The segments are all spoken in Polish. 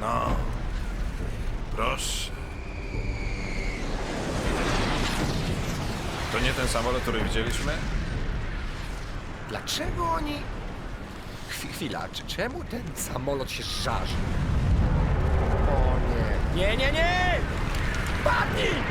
No, proszę. To nie ten samolot, który widzieliśmy? Dlaczego oni... Chwila, czemu ten samolot się żarzy? O nie. Nie, nie, nie! Padnij!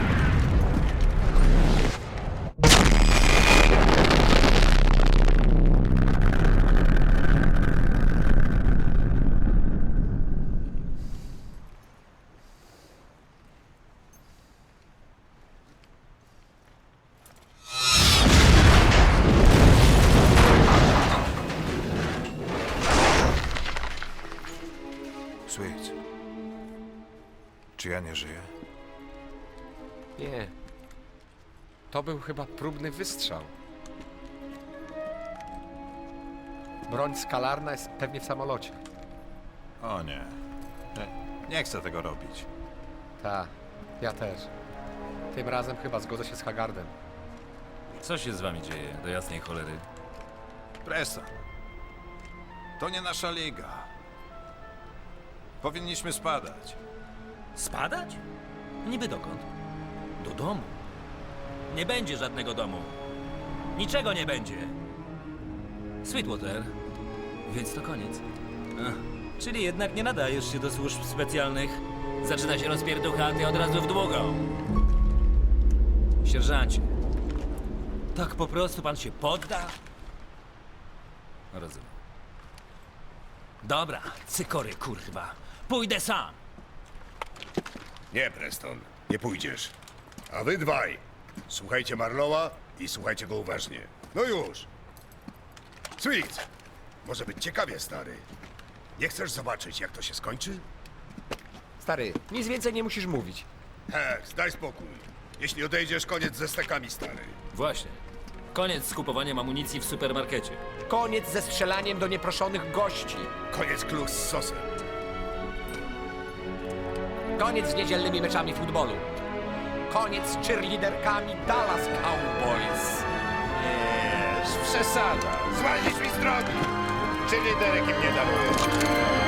Sweet. Czy ja nie żyję? Nie. To był chyba próbny wystrzał. Broń skalarna jest pewnie w samolocie. O nie. Nie chcę tego robić. Tak, ja też. Tym razem chyba zgodzę się z Hagardem. Co się z wami dzieje, do jasnej cholery? Preston. To nie nasza liga. Powinniśmy spadać. Spadać? Niby dokąd? Do domu. Nie będzie żadnego domu. Niczego nie będzie. Sweetwater. Więc to koniec. Ach, czyli jednak nie nadajesz się do służb specjalnych. Zaczyna się rozpierducha, a ty od razu w długą. Sierżancie. Tak po prostu pan się podda? Rozumiem. Dobra, cykory kurwa. Pójdę sam. Nie, Preston, nie pójdziesz. A wy dwaj, słuchajcie Marlowa i słuchajcie go uważnie. No już. Sweet, może być ciekawie, stary. Nie chcesz zobaczyć, jak to się skończy? Stary, nic więcej nie musisz mówić. Hex, daj spokój. Jeśli odejdziesz, koniec ze stekami, stary. Właśnie. Koniec z kupowaniem amunicji w supermarkecie. Koniec ze strzelaniem do nieproszonych gości. Koniec klus z sosem. Koniec z niedzielnymi meczami futbolu. Koniec z cheerleaderkami Dallas Cowboys. Przesada. Zwalnić mi z drogi. Czy liderek im nie daruje?